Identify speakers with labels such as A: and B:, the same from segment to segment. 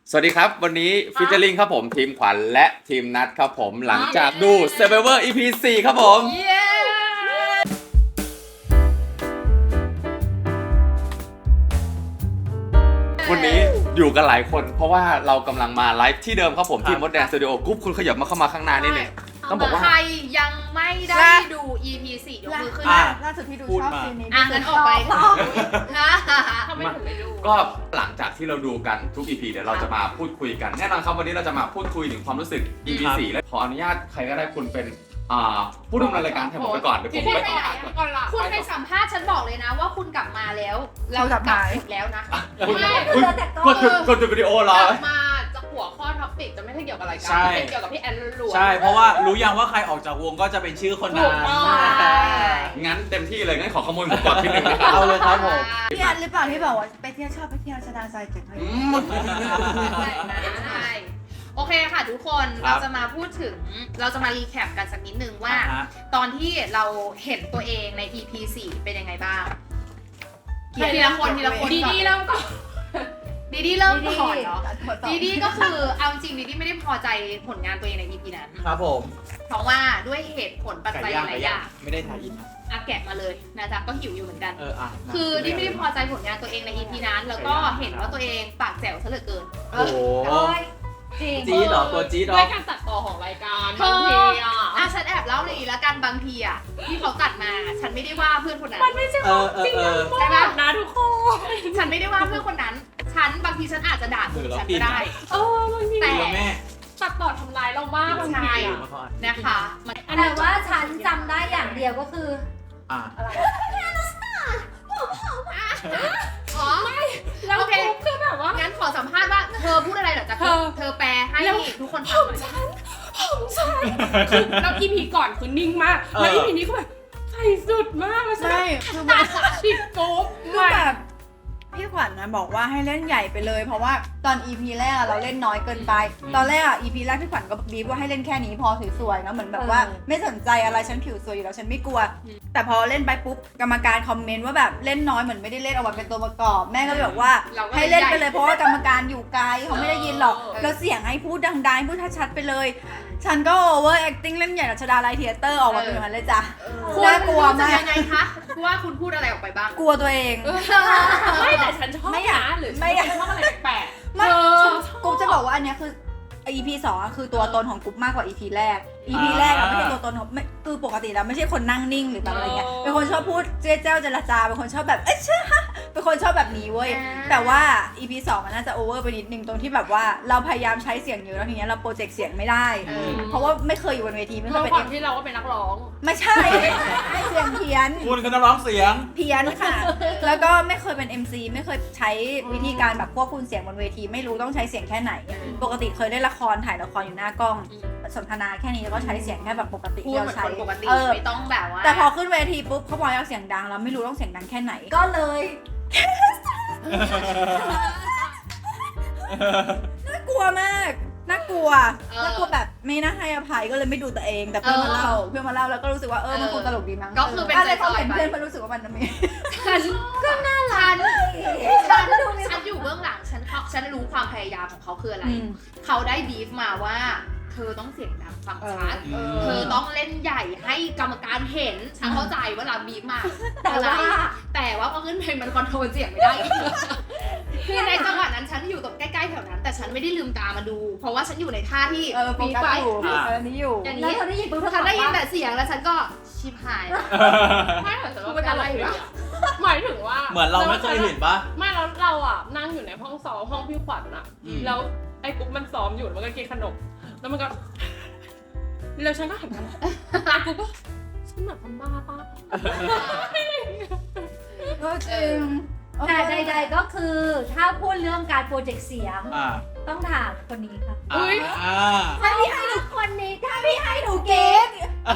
A: สวัสดีครับวันนี้ฟิชเชอร์ลิงครับผมทีมขวัญและทีมนัดครับผมหลังจากดู Survivor EP 4ครับผมวันนี้อยู่กันหลายคนเพราะว่าเรากำลังมาไลฟ์ที่เดิมครับผมที่มดแดงสตูดิโอกรุ๊ปคุณขยับมาเข้ามาข้างหน้านิดนึงต้องบอกว่า
B: ใครยังไม่ได้ดู EP 4 ยกมือขึ้น
C: ล่าสุดที่ดูชอบซีนนี้
B: งั้นออกไปทำไมถึงไม่ดู
A: ก็หลังจากที่เราดูกันทุก EP เดี๋ยวเราจะมาพูดคุยกันแน่นอนครับวันนี้เราจะมาพูดคุยถึงความรู้สึก EP 4และขออนุญาตใครก็ได้คุณเป็นผู้ดำเนินรายการแทนผมไปก่อนเดี๋ยวผมไปต่อก่อน
B: คุณไปสัมภาษณ์ฉันบอกเลยนะว่าคุณกลับมาแล้วเรากลับแล้วนะ
A: กดจุดวิดีโอเหรอก
D: ลับมาจะหัวข้อท็อปิกจะไม่ใช่เกี่ยวกับรายการเป็นเกี่ยวกับพี่แอนล้วน
E: ใช่เพราะว่ารู้ยังว่าใครออกจากวงก็จะเป็นชื่อคนนั้น
A: งั้นเต็มที่เลยงั้นขอขโมยหมูกรอบที่หนึ่ง
E: เอาเลยครับผม
C: พี่แอนหรือเปล่าที่บอกว่าไปเที่ยวชอบไปเที่ยวชดาไซเจ็ดให้
B: โอเคค่ะทุกคนเราจะมาพูดถึงเราจะมารีแคปกันสักนิดนึงว่าตอนที่เราเห็นตัวเองใน EP 4 เป็นยังไงบ้างทีละคนดีเริ่มก่อนดีเริ่มก่อนเนาะดีก็คือเอาจริงดีไม่ได้พอใจผลงานตัวเองใน EP นั้น
E: ครับผม
B: เพราะว่าด้วยเหตุผลปัจจัยหลายอย่าง
E: ไม่ได้ถ่ายอิน
B: แกะมาเลยนะจ๊ะก็หิวอยู่เหมือนกันคือดีไม่ได้พอใจผลงานตัวเองใน EP นั้นแล้วก็เห็นว่าตัวเองปากแจ๋วซะเหลือเกิน
E: โอ้จี๊ดเหรอตัวจี๊ดเหรอ
D: ด้วยการตัดต่อของรายการบางที
B: ฉันแอบเล่าเลยแล้วกันบางทีที่เขาตัดมาฉันไม่ได้ว่าเพื่อนคนนั้น
D: มันไม่ใช่ความจริงใช่ไหมนะทุกคน
B: ฉันไม่ได้ว่าเพื่อนคนนั้นฉันบางทีฉันอาจจะด่าตัวฉันก็ได้
D: บางที
B: แต่
D: ตัดต่อทำลายเรามากบางที
B: นะคะ
F: แต่ว่าฉันจำได้อย่างเดียวก็คืออะไร
D: ไม่แล้วคือแบบว่า
B: งั้นขอสัมภาษณ์ว่าเธอพูดอะไรเหรอจ๊ะเธอแปลให้ทุกคนฟังหน่อย
D: ฉันคือแล้ว EP ก่อนคือนิ่งมากแล้ว EP นี้ก็แบบใส่สุดมาก
C: ใช่คือ
D: แบบติดโป๊ะ
C: คือแบบพี่ขวัญนะบอกว่าให้เล่นใหญ่ไปเลยเพราะว่าตอน EP แรกเราเล่นน้อยเกินไปตอนแรกEP แรกพี่ขวัญก็บีบว่าให้เล่นแค่นี้พอสวยๆนะเหมือนแบบว่าไม่สนใจอะไรฉันผิวสวยอยู่แล้วฉันไม่กลัวแต่พอเล่นไปปุ๊บกรรมการคอมเมนต์ว่าแบบเล่นน้อยเหมือนไม่ได้เล่นเอาไว้เป็นตัวประกอบแม่ก็บอกว่าให้เล่นไปเลยเพราะว่ากรรมการอยู่ไกลเขาไม่ได้ยินหรอกแล้วเสียงให้พูดดังๆพูดชัดๆไปเลยฉันก็โอเวอร์แอคติ้งเล่นใหญ่รัชดาลัยเธียเตอร์ออกมาเป็นอย่างนั้นเลยจ้ะ
B: น่ากลัวมากยังไงคะว่าคุณพูดอะไรออกไปบ้าง
C: กลัวตัวเอง
D: ไม่แต่ฉันชอบนะหรือไม่ชอบอะไรแปลก
C: ไม่กูจะบอกว่าอันนี้คือ EP 2คือตัวตนของกุ๊บมากกว่า EP แรก EP แรกไม่ใช่ตัวตนของคือปกติแล้วไม่ใช่คนนั่งนิ่งหรือแบบอะไรเงี้ยเป็นคนชอบพูดเจ้าเจรจาเป็นคนชอบแบบเชื่อเป็นคนชอบแบบนี้เว้ยแต่ว่า EP 2มันน่าจะโอเวอร์ไปนิดนึงตรงที่แบบว่าเราพยายามใช้เสียงเยอะแล้วทีเนี้ยเราโปรเจกต์เสียงไม่ได้เพราะว่าไม่เคยอยู่บนเวทีไม่เคยเป็น
D: ที่เราก็เป็นนักร้อง
C: ไม่ใช่เสียงเพี้ยน
E: คุณคือนักร้องเสียง
C: เพี้ยนค่ะแล้วก็ไม่เคยเป็น MC ไม่เคยใช้วิธีการแบบควบคุมเสียงบนเวทีไม่รู้ต้องใช้เสียงแค่ไหนปกติเคยเล่นละครถ่ายละครอยู่หน้ากล้องสนทนาแค่นี้แล้วก็ใช้เสียงแค่แบบปกติ
B: ที่เราใช้ปกติไม่ต้องแบบว่า
C: แต่พอขึ้นเวทีปุ๊บเขาบอกให้เอาเสียงดังแล้วไม่รู้ต้องเสียงดังแค่ไหนก็เลยน่ากลัวมากน่ากลัวแบบไม่น่าให้อภัยก็เลยไม่ดูตัวเองแต่เพื่อนมาเล่าแล้วก็รู้สึกว่ามันคงตลกดีมั้ง
B: ก็คือเป็น
C: อะไรเขาเห็นเพื่อนรู้สึกว่ามันไม่
B: ฉันก็น่ารักฉันอยู่เบื้องหลังฉันรู้ความพยายามของเขาคืออะไรเขาได้บีฟมาว่าเธอต้องเสียงดังฟังชัดเธอต้องเล่นใหญ่ให้กรรมการเห็นฉันเข้าใจว่าเราบีฟมาแต่ว่าพอขึ้นเพลงมันคอนโทรลเสียงไม่ได้คือในจังหวะนั้นฉันอยู่ตรงใกล้ๆแถวนั้นแต่ฉันไม่ได้ลืมตามาดูเพราะว่าฉันอยู่ในท่าที่
C: บีฟไว้นี้อยู่
B: อย่างนี้ฉันได้ยินแต่เสียงแล้วฉันก็ชิบหาย
D: ไม่เหมือนจะเป็นอะไรหมายถึงว่า
E: เหมือนเราไม่เคยเห็นปะ
D: ไม่แล้วเรานั่งอยู่ในห้องซ้อมห้องพี่ขวัญแล้วไอ้กุ๊กมันซ้อมอยู่มันก็กินขนมแล้วมันก็แล้วฉันก็หันมากูก็ฉันแบบทำบ้าป่ะ
C: ก็จริง
F: แต่ใดๆก็คือถ้าพูดเรื่องการโปรเจกต์เสียงต้องถามคนนี้ค่ะถ้าพี่ให้หนูคนนี้ถ้าพี่ให้หนูเก๊ก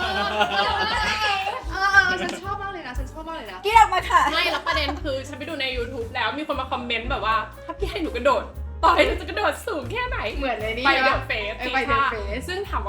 B: ฉันชอบมากเลยนะ
C: เก๊กมาค่ะ
D: ไม่แล้วประเด็นคือฉันไปดูใน YouTube แล้วมีคนมาคอมเมนต์แบบว่าถ้าพี่ให้หนูกระโดดต่อให้หนูจะกระโดดสูงแค่ไหน
B: เหมือนเลยนี่
D: ไปเดอะเฟสซึ่งถามว่า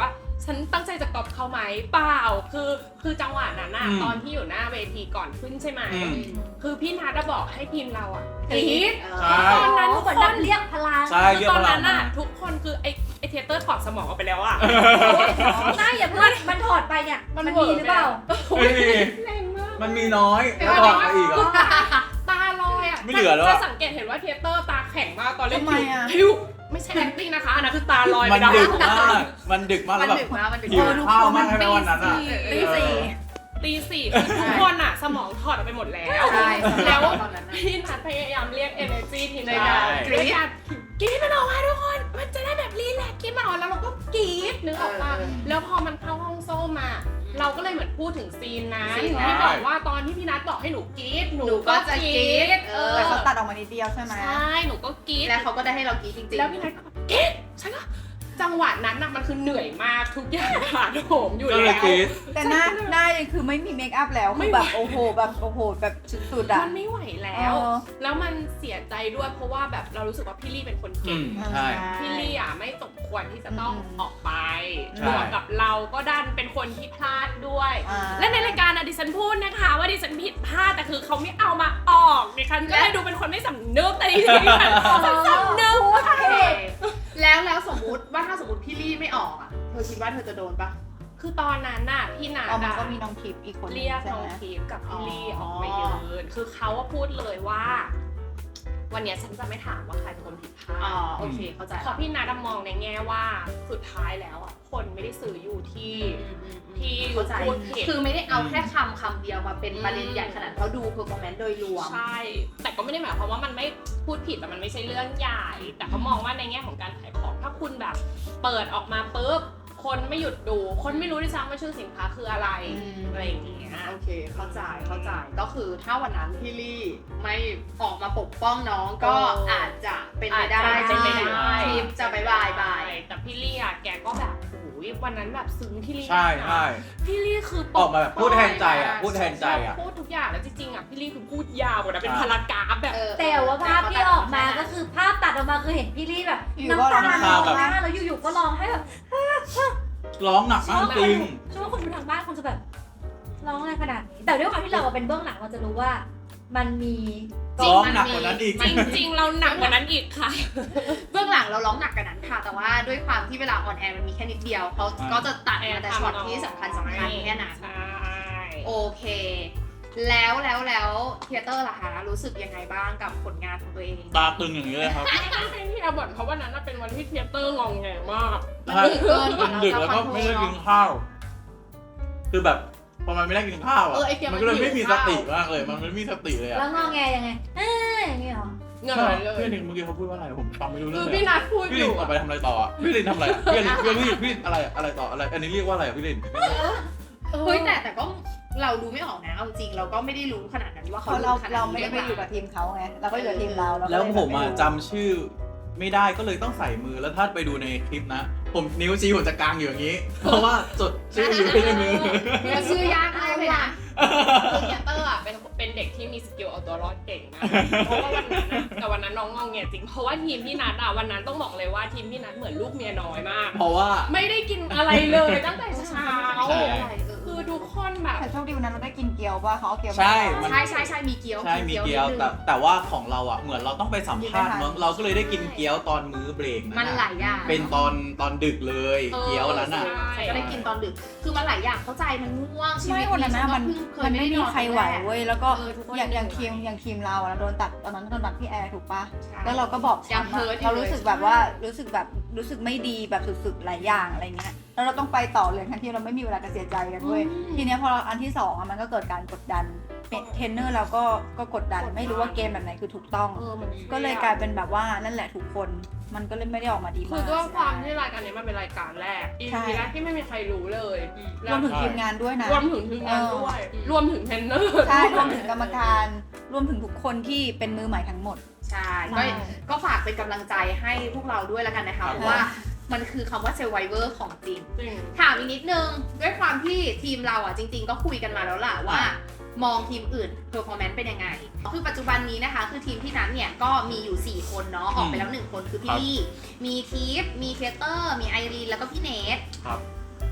D: ฉันตั้งใจจะก๊อปเขาไหมเปล่าคือจังหวะนั้นน่ะตอนที่อยู่หน้าเวทีก่อนขึ้นใช่ไหมคือพี่นัทบอกให้ทีมเราอ่ะกรี๊ดตอนนั้นทุกคน
F: เรียกพลัง
D: คือตอนนั้นน่ะทุกคนคือไอเทเตอร์ถอดสมองออกไปแล้วอ่ะ
F: น่าอย่าเพิ่งมันถอดไปเนี่ยมันมีหรือเปล่า
E: ไม่มี
D: แรงมาก
E: มันมีน้อยแล้วต่อมาอีกอ่ะ
D: ตาลอยอ่ะ
E: ไม่เหลือแล้ว
D: จะสังเกตเห็นว่าเทเตอร์ตาแข็งมากตอนเล่น
C: ทำไมอะ
D: พิวไม่ใช่ acting นะคะอันนั้นคือตาลอย
E: มัน
D: ไป
E: ดึกมากมันดึกมาก
B: มั
E: แล้ว
B: น
E: แบบ
B: ดึกนะมันดึก
E: หิวข้าวมากใช่ไหมวันนั้นอ่ะ
C: ตีสี่
D: ตีสี่คือทุกคนอ่ะสมองถอดออกไปหมดแล้ว
B: ใช่
D: แล้ว
B: ตอนนั้น
D: พี่นัทพยายามเรียก energy ทีมใน
E: ใช่
D: การกรี๊ดกรี๊ดมันออกมาทุกคนมันจะได้แบบรีแลกซ์กรี๊ดมันออกแล้วเราก็กรี๊ดนึกออกปะแล้วพอมันเข้าห้องโซ่มา เราก็เลยเหมือนพูดถึงซีนนั้นที่บอกว่าตอนที่พี่นัทบอกให้หนูกรี๊ดหนู
B: หนูก็จะกรี๊ด
C: แต่เขาตัดออกมานิดเดียวใช่ไหม
D: ใช่หนูก็กรี๊ด
B: แล้วเขาก็ได้ให้เรากรี๊ดจริงๆ
D: แล้วพี่นัทก็แบบกรี๊ดฉันก็จังหวะนั้นน่ะมันคือเหนื่อยมากทุกอย่างผ่านโหมอยู่
E: ก็
D: แล้ว
E: เลยกรี๊ด
C: แต่หน้ายังคือไม่มีเมคอัพแล้วคือแบบโอ้โหแบบสุดๆอ่ะ
D: มันไม่ไหวแล้ว แล้วมันเสียใจด้วยเพราะว่าแบบเรารู้สึกว่าพี่ลี่เป็นคนเก่ง
E: ใช่
D: พี่ลี่อ่ะไม่สมควรที่จะต้องออกไป
E: ใช่
D: บวกกับเราก็ดันเป็นคนที่พลาดด้วย
C: อ่า
D: และในรายการอะดิฉันพูดนะคะว่าดิฉันผิดพลาดแต่คือเขาไม่เอามาออกดิฉันก็เลยดูเป็นคนไม่สำนึกแต่จริงๆฉันสำนึก
B: โอเคแล้วสมมุติว่าถ้าสมมติพี่ลี่ไม่ออกอ่ะเธอคิดว่าเธอจะโดนปะ
D: คือตอนนั้นน่ะพี่นา
C: เอามา
D: อะ
C: ก็มีน้องทิพย์อีกคนนึง
D: เรียก
C: ใช่
D: น้อง
C: ไหม
D: ทิพย์กับพี่ลี่
B: อ๋
D: อ
B: อ
D: อกมายืนคือเขาว่าพูดเลยว่า วันเนี้ยฉันจะไม่ถามว่าใครเป็นคนผิดพลา
B: อ๋อ
D: ด
B: โอเคเข้าใจ
D: เพราะพี่นัทมองในแง่ว่าสุดท้ายแล้วอ่ะคนไม่ได้สื่ออยู่ที่อยู่
B: เข้าใจ
D: พูดผิด
B: คือไม่ได้เอาแค่คำเดียวมาเป็นประเด็นใหญ่ขนาดเขาดูเพอร์ฟอร์แมนซ์โดยรวม
D: ใช่ แต่ก็ไม่ได้หมายความว่ามันไม่พูดผิดแต่มันไม่ใช่เรื่องใหญ่ แต่เขามองว่าในแง่ของการขายของถ้าคุณแบบเปิดออกมาปุ๊บคนไม่หยุดดู คนไม่รู้ด้วยซ้ำว่าชื่อสินค้าคืออะไร อะไรอย่างเงี้ย
B: โอเคเข้าใจก็คือถ้าวันนั้นพี่ลี่ไม่ออกมาปกป้องน้องก็อาจจะเป็นไปได้
D: อาจจะเป็นไปได้
B: ทีมจะบาย
D: แต่พี่ลี่อ่ะแกก็แบบโอ้ยวันนั้นแบบซึ้งพี่ลี่
E: ใช่
D: มากนะ
E: ใช่
D: พี่ลี่คือ
E: ออกมาแบบพูดแทนใจอ่ะพูดแทนใจอ่ะ
D: พูดทุกอย่างแล้วจริงๆอ่ะพี่ลี่คือพูดยาวกว่านะเป็นพารากราฟแบบ
F: แต่ว่าภาพที่ออกมาก็คือภาพตัดออกมาคือเห็นพี่ลี่แบบ
C: อยู่
F: น้ำตา
C: ก็ร้องไห้
F: ร้องไห้แล้วอยู่ๆก็ร้องให้แบบ
E: ร้องหนักมากจริง
F: ช่วงคนดูทางบ้านคงจะแบบร้องอะไรขนาดนี้แต่ด้วยความที่เราเป็นเบื้องหลังเราจะรู้ว่ามันมี
E: ร้องหนักกว่านั้นอีก
D: จริงๆเราหนักกว่านั้นอีกค่ะ
B: เบื้องหลังเราร้องหนักกันนั้นค่ะ แต่ว่าด้วยความที่เวลาออนแอร์มันมีแค่นิดเดียวเขาก็จะตัดมาแต่ช็อตที่สำคัญแค่นั้น
D: ใช่
B: โอเค แล้วเทเตอร์ล่ะคะรู้สึกยังไงบ้างกับผลงานของตัวเอง
E: ตาตึงอย่างนี้เลยครับ
D: เป็นที่อาบ่นเพราะวันนั้นน่ะเป็นวันที่เทยเตอร์งองแงมาก
E: มันดึกแล้วก็ไม่ได้กินข้าว คือแบบพอมันไม่ได้กินข้าวอ่ะ
B: ไอ้เกียร์
E: มันก็เลยไม่มีสติมากเลย มันไม่มีสติเลยอ่ะ
F: แล้วงอแงยังไงอย่างนี้เหรอ
D: เงิน
E: ใช่
D: เลย
E: เพื่อนเมื่อกี้เขาพูดว่าอะไรผมฟังไม่รู้
D: คื
E: เรื่อ
D: อง
E: เลย
D: พี่นัทพูด
E: พี่
D: อ
E: ลิน
D: ยู่
E: ออกไปทำอะไรต่ออ่ะพี่ลินทำอะไรอ่ะพี่อะไรต่ออะไรอันนี้เรียกว่าอะไรอ่ะพี่ลิน
B: เฮ้ยแต่ก็เราดูไม่ออกนะเอาจริงเราก็ไม่ได้รู้ขนาดนั้นว่า
C: เพ
B: เขา
C: ราะเรา
B: ขน
C: เรา
B: นี้
C: ไม่ได้ไปอยู่กับ
B: ห
C: ทีมเขาไงเราก็อยู่กับทีมเราเราก็
E: แล้ว
C: เย
E: ผมอ่ะ
C: ไรู้
E: จำชื่อไม่ได้ก็เลยต้องใส่มือแล้วถ้าไปดูในคลิปนะ ผมนิ้วชี้ผมจะกางอยู่อย่างนี้ เพราะว่าจดชื่ออยู่ในมือ
B: รือชื่อยากมากเลยนะ
D: คือเทยเตอร์อ่ะเป็นเด็กที่มีสกิลเอาตัวรอดเก่งนะเพราะว่าวันนั้นน่ะแต่วันนั้นน้องงองแงจริงเพราะว่าทีมพี่นัทอ่ะวันนั้นต้องบอกเลยว่าทีมพี่นัทเหมือนลูกเมียน้อยมาก
E: เพราะว่า
D: ไม่ได้กินอะไรเลยตั้งแต่เช้า
E: ใช่
D: คือทุกคนแบบ
C: แต่โชคดีวันนั้นเราได้กินเกี๊ยวป่ะเขาเอาเกี๊ยวมา
E: ใช่
C: ให้
E: มัน
B: ใช่มีเกี๊ยว
E: ใช่มีเกี๊ยว
B: นิดนึง
E: แต่ว่าของเราอ่ะเหมือนเราต้องไปสัมภาษณ์
C: กินไม่ทัน
E: มั้งเราก็เลยได้กินเกี๊ยวตอนมื้อเบรก
B: มันหลายอย่าง
E: เป็นตอนดึกเลย เกี๊ยวนั้นอ่ะ
B: ใช่ก็ได้กินตอนดึกคือมันหลายอย่างเข้าใจมันง่วงชีวิ
C: ไม่
B: ต
C: วันนั้นนะมัน
B: ฉัก็
C: มันไม่มีใครไหวเว้ยแล้วก็
B: ทุกคน
C: อย่างทีมเราอะโดนตัดตอนนั้นโดนตัดพี่แอร์ถูกปะแล้วเราก็บอกช้ำอะเรารู้สึกแบบว่ารู้สึกไม่ดีแบบสุดๆหลายอย่างอะไรเงี้ยแล้วเราต้องไปต่อเลยทั้งที่เราไม่มีเวลาจะเสียใจกันเว้ยทีเนี้ยพออันที่สองอะมันก็เกิดการกดดันเทรนเนอร์เราก็กดดันไม่รู้ว่าเกมแบบไหนคือถูกต้อง ก็เลยกลายเป็นแบบว่านั่นแหละทุกคนมันก็เลยไม่ได้ออกมาดี
D: คื
C: มา
D: อก ด้วยความที่รายการนี้มันเป็นรายการแรก
C: ใช่
D: EP แรกที่ไม่มีใครรู้เลย
C: รวมถึงทีมงานด้วยนะ
D: รวมถึงทีมงานด้วยรวมถึงเทรนเนอร์
C: ใช่รวมถึงกรรมการรวมถึงทุกคนที่เป็นมือใหม่ทั้งหมด
B: ใช่
C: ใช่
B: ก็ฝากเป็นกำลังใจให้พวกเราด้วยแล้วกันนะคะเพราะว่ามันคือคำว่า survivor ของจริง
D: จริง
B: ถามอีกนิดนึงด้วยความที่ทีมเราอ่ะจริง ๆ ก็คุยกันมาแล้วล่ะว่ามองทีมอื่น performance เป็นยังไงคือปัจจุบันนี้นะคะคือทีมที่นั้นเนี่ยก็มีอยู่4คนเนาะออกไปแล้ว1คนคือพี่ลี่มีทีฟมีเคเตอร์มีไอรีนแล้วก็พี่เนท
E: ครับ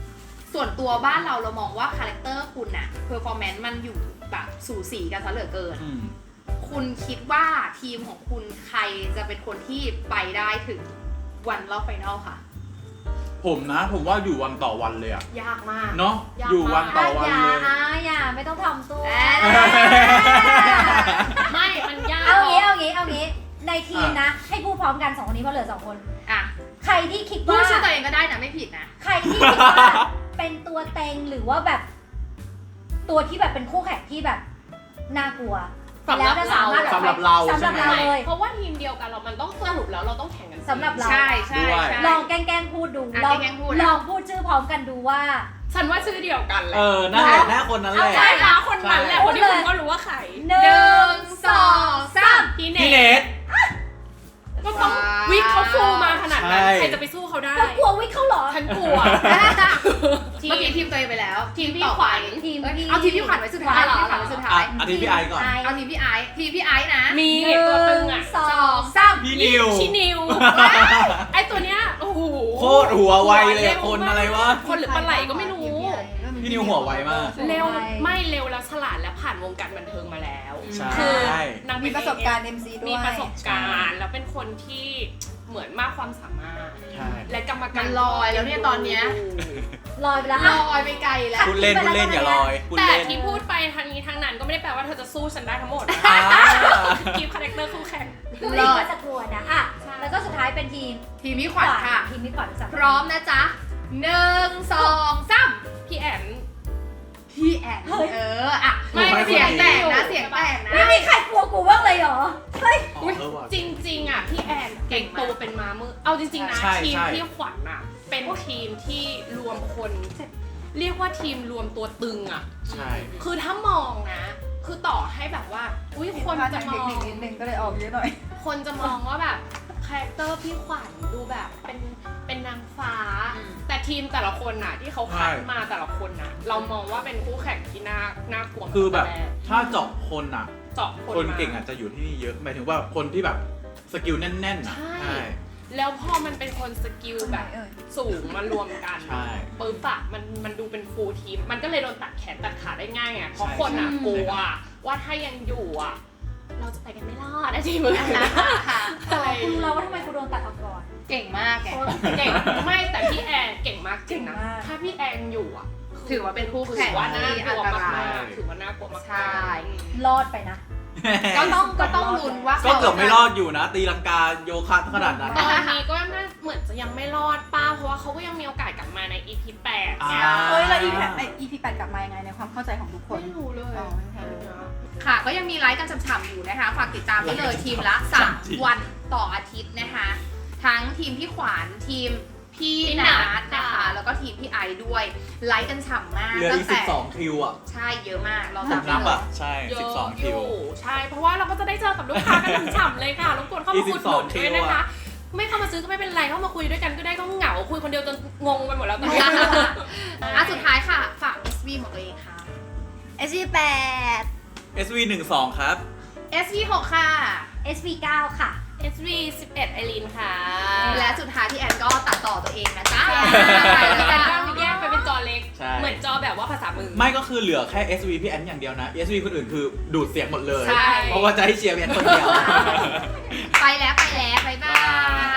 B: ส่วนตัวบ้านเรามองว่าคาแรคเตอร์คุณอะเพอร์ฟอร์แมนซ์มันอยู่แบบสูสีกันซะเหลือเกิน คุณคิดว่าทีมของคุณใครจะเป็นคนที่ไปได้ถึงวันรอบไฟนอลค่ะ
E: ผมว่าอยู่วันต่อวันเลยอะ
B: ยากมาก
E: เนาะอยู่วันต่อวันเลย
F: อย่าไม่ต้องทำตัว
D: ไม่มันยาก
F: เอางี้ในทีมนะ ให้พูดพร้อมกัน2คนนี้เพราะเหลือ2คน
B: อ่ะ
F: ใครที่คิด
B: พู
F: ว่า
B: ดชื่อตัวเองก็ได้นะไม่ผิดนะ
F: ใครที่คิดว่าเป็นตัวเต็งหรือว่าแบบตัวที่แบบเป็นคู่แข่งที่แบบน่ากลัว
D: สำหรับ
F: แล้วจะสามารถ
E: สำหรับเรา
F: สำหรับ
E: ใช่ไหม
F: เราเลย
D: เพราะว่าทีมเดียวกันเรามันต้องสรุปแล้วเราต้องแข่งกัน
F: สำหรับเรา
B: ใช่ใช่
E: ด้วย
B: ใช่
F: ลองแกล้งพูดดู
B: อ่ะ
F: ลอง
B: แกล้งพูด
F: ลองพูดชื่อพร้อมกันดูว่า
D: ฉันว่าชื่อเดียวกันแหละ
E: นั่นแหละหน้าคนนั้นแหละ
D: ใช่ค่ะคนนั้นแหละ
F: ใช่
D: คนที่คุณก็รู้ว่าใคร
F: หนึ่งสองสาม
D: พี่
E: พี่
D: เน
E: เน
D: ท
E: ท
D: ก็ต้องวิกเขาฟูมาขนาดนั้น
E: ใช่
D: ใครจะไปสู้เขาได้
F: เรากลัววิกเขาเหรอ
D: ฉันกลัว
B: เมื่อกี้ทีมตัวเองไปแล้ว
D: ทีมพี่
B: ต่อ
D: ขวัญ
B: ไป
F: ทีมพี่
B: เอาทีมพี่ขวัญไว้สุดท้าย
F: เหรอ
B: ทีมพี่ขวัญไว้สุดท้าย
E: อาทิตย์พี่ไอก่อน
B: เอาทีมพี่ไอซ์ทีมพี่ไอซ์นะ
D: มีตัวตึงอ่ะ
F: สอง
B: สาม
E: พี่นิว
D: ชินิว ไอตัวเนี้ยโอ้โห
E: โคตรหัวไวเลยอะคนอะไรวะ
D: คนหรือปลาไหลก็ไม่รู้
E: พี่นิวหัวไวมาก
D: เร็วไม่เร็วแล้วฉลาดและผ่านวงการบันเทิงมาแล้ว
E: ใช่
D: คือนาง
C: มีประสบการณ์ MC ด้วย
D: มีประสบการณ์แล้วเป็นคนที่เหมือนมากความสามารถ
E: ใช่
D: และกรรมการ
B: มันลอยแล้วเนี่ยตอนเนี้ย
F: ลอยไปแล้ว
B: ล
F: อ่ะ
B: อยไปไกลแล้ว
E: พูดเล่นอย่าลอยพูด
D: แต่
E: เล่น
D: ที่พูดไปทางนี้ทางนั้นก็ไม่ได้แปลว่าเธอจะสู้ฉันได้ทั้งหมด
E: อ่า
D: คีปคาแรคเตอร์คู่แข่ง
F: คือลิงก็จะกลัวนะอ่ะ
D: ใช่
F: แล้วก็สุดท้ายเป็นทีม
B: ทีมพี่ขวัญค่ะ
F: ทีมนี้ก่อนสัก
B: พร้อมนะจ๊ะหนึ่งสองสาม
D: พี่แอน
B: พี่แอนอ่ะไม่เสียงแตกนะเสียงแตกนะ
F: ไม่มีใครกลัวกูบ้างเลยเหรอ เฮ้ย
E: อ๋อเออว่ะ
D: จริงๆอ่ะพี่แอน
B: เก่งมาก
D: โตเป็นม้ามือเอาจริงๆนะ
E: ใช่
D: ทีม
E: ใช่
D: พี่ขวัญอ่ะเป็นทีมที่รวมคน เรียกว่าทีมรวมตัวตึงอ่ะ
E: ใช่
D: คือถ้ามองนะ คือต่อให้แบบว่า อุ้ยคนจะม
C: เท
D: อ
C: ค
D: ง
C: นิคนิดนึงก็เลยออกเยอะหน่อย
D: คนจะมองว่าแบบคาแรคเตอร์พี่ขวัญดูแบบเป็นนางฟ้า แต่ทีมแต่ละคนน่ะที่เขาคัดมาแต่ละคนน่ะ เรามองว่าเป็นคู่แข่งที่น่ากลัว
E: คือแบบ
D: ตั้งต่รก
E: ถ้าเจาะคนอ่ะ
D: เจาะคน
E: คน
D: มา
E: เก่งอาจจะอยู่ที่นี่เยอะหมายถึงว่าคนที่แบบสกิลแน่นๆอ่ะ
D: ใช่
E: ใช่
D: แล้วพอมันเป็นคนสกิลแบบสูงมารวมกัน
E: ใช่
D: ปึ๊บอะมันดูเป็นฟูลทีม มันก็เลยโดนตัดแขนตัดขาได้ง่ายไงเพราะคนอะ
E: ใช่
D: กลัวว่าถ้ายังอยู่อะเราจะไปกันไม่รอดนะทีมอื่นนะ
B: ค่ะ
D: อะไร
F: กูรู้แล้วว่าทำไมกูโดนตัดออกก่อน
B: เก่งมากแก
D: เก่งไม่แต่พี่แอนเก่งมากจริงนะ
F: เก่งมาก
D: ถ้าพี่แอนอยู่อะ
B: ถือว่าเป็นคู่แข่ง
D: ถือว่าน่า
B: ที่
D: ก
B: อัน
D: ลัว
B: ต
D: มาร
B: าย
D: กๆถือว่าน่ากลัวมากๆ
B: ใช่
F: รอดไปนะ
B: ก็ต้องลุ้นว่า
E: ก็เกือบไม่รอดอยู่นะ ตีลังกาโยคะขนาดนั้น
D: ตอนนี้ก็น่าเหมือนจะยังไม่รอดป้าเพราะว่าเขาก็ยังมีโอกาสกลับมาใน EP 8เนี่ย
C: เฮ้ยแล้ว EP 8กลับมายังไงในความเข้าใจของทุกคน
D: ไม่รู้เลย
C: อ๋อไม่รู้
B: ค่ะ ก็ยังมีไลฟ์กันฉ่ำๆอยู่นะคะ ฝากติดตามได้เลยทีมละ 3 วันต่ออาทิตย์นะคะ ทั้งทีมพี่ขวัญทีมพี่นัทนะคะ แล้วก็ทีมพี่ไอด้วย ไลฟ์กันฉ่ำมาก
E: เหลือ
B: ตั้
E: อี
B: ง
E: ก
B: แต่
E: 12 คิวอ่ะ
B: ใช่เยอะมากเรา
E: ผม
B: จำได้
E: นับ
B: เล
E: อ่ะ
B: ย
E: ใช่
D: เยอะ
E: 12 คิว
D: อยู่ใช่ เพราะว่าเราก็จะได้เจอกับลูกค้ากันฉ่ำๆเลยค่ะรบกวนเข้ามาคุยด้วย
E: คิ
D: ด้วย
E: วอะ
D: นะคะ ไม่เข้ามาซื้อก็ไม่เป็นไรเข้ามาคุยด้วยกันก็ได้ก็เหงาคุยคนเดียวจนงงไปหมดแล้วตอนนี้
B: อ่ะสุดท้ายค่ะ ฝาก SV ของตัวเองค่ะ
C: SV 8
E: SV 12ครับ
B: SV 6ค่ะ
F: SV9 ค่ะ
D: SV 11ไอรีนค่ะ
B: และสุดท้ายที่แอนก็ตัดต่อตัวเองนะจ๊ะ
D: แต่ก็แยกไปเป็นจอเล็ก
E: ใช่
D: เหมือนจอแบบว่าภาษามือ
E: ไม่ก็คือเหลือแค่ SV พี่แอนอย่างเดียวนะ SV คนอื่นคือดูดเสียงหมดเลย
B: ใช่
E: เพราะว่าจะให้เชียร์พี่แอนคนเดียว
B: ไปแล้ว บ๊ายบาย